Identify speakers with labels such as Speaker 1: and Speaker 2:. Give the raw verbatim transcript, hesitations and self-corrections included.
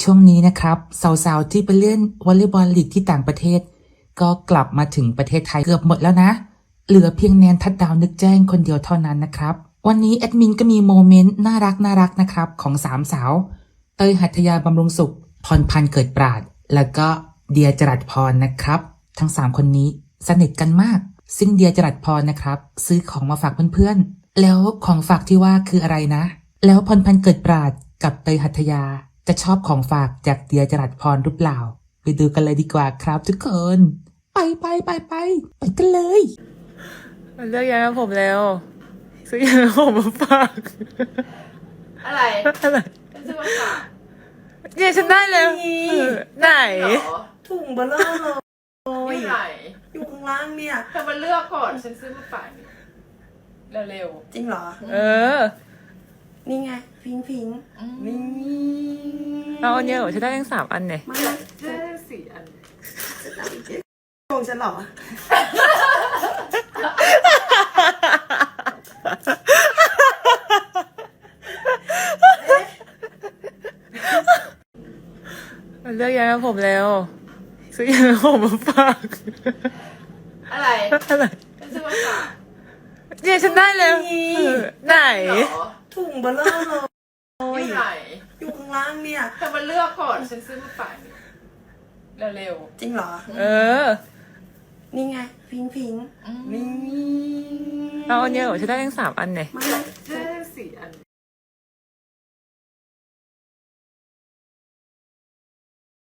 Speaker 1: ช่วงนี้นะครับสาวๆที่ไปเล่นวอลเลย์บอลลีกที่ต่างประเทศก็กลับมาถึงประเทศไทยเกือบหมดแล้วนะเหลือเพียงแนนทัดดาวนึกแจ้งคนเดียวเท่านั้นนะครับวันนี้แอดมินก็มีโมเมนต์น่ารักน่ารักนะครับของสามสาวเต้ยหัตถยาบำรุงสุขพรพันธ์เกิดปราดแล้วก็เดียจรัสพรนะครับทั้งสามคนนี้สนิทกันมากซึ่งเดียจรัสพรนะครับซื้อของมาฝากเพื่อนๆแล้วของฝากที่ว่าคืออะไรนะแล้วพรพันธ์เกิดปราดกับเตยหัตถยาจะชอบของฝากจากเดียจรัสพรหรือเปล่าไปดูกันเลยดีกว่าครับทุกคนไปไปไปไปไปกันเลย
Speaker 2: มันเลือกยาผมแล้วซื้อยาผมมาฝาก
Speaker 3: อะไร
Speaker 2: อะไร
Speaker 3: ฉันซื้อมาฝาก
Speaker 2: เนี่ยฉันได้แล้วไหน
Speaker 4: ถุงเบลเลอร์เลย
Speaker 3: อยู่ไหน
Speaker 4: อยู่ข้างล่างเนี่ย
Speaker 3: เธอมาเลือกก่อนฉันซื้อมาฝากเร็ว
Speaker 4: จริงเหรอ
Speaker 2: เออ
Speaker 4: นี่ไงพิงพิงนี่
Speaker 2: เอาอันเนี้ยเหรอฉันได้ทั้งสามอันเนี่ย
Speaker 4: มา
Speaker 3: ๆได้สี่อัน
Speaker 4: โกงฉันเหรอ
Speaker 2: มันเลือกยาผมแล้วซื้อยาผมมาฝาก
Speaker 3: อะไร
Speaker 2: อะไร
Speaker 3: ฉันซื้อมาฝาก
Speaker 2: เนี่ยฉันได้แล้วไหน
Speaker 4: ถุงเบลเลอร์เลย
Speaker 3: อยู่ไหน
Speaker 4: อยู่ข้างล่างเนี่ย
Speaker 3: เธอมาเลือกก่อนฉันซื้อมาฝากเร็ว
Speaker 4: จริงเหรอ
Speaker 2: เออ
Speaker 4: นี่ไงพิงพิงนี่
Speaker 2: เอาอันเนี้ยเหรอฉันได้ทั้งสามอันเนี่ย
Speaker 4: มา
Speaker 3: ได้สี่อัน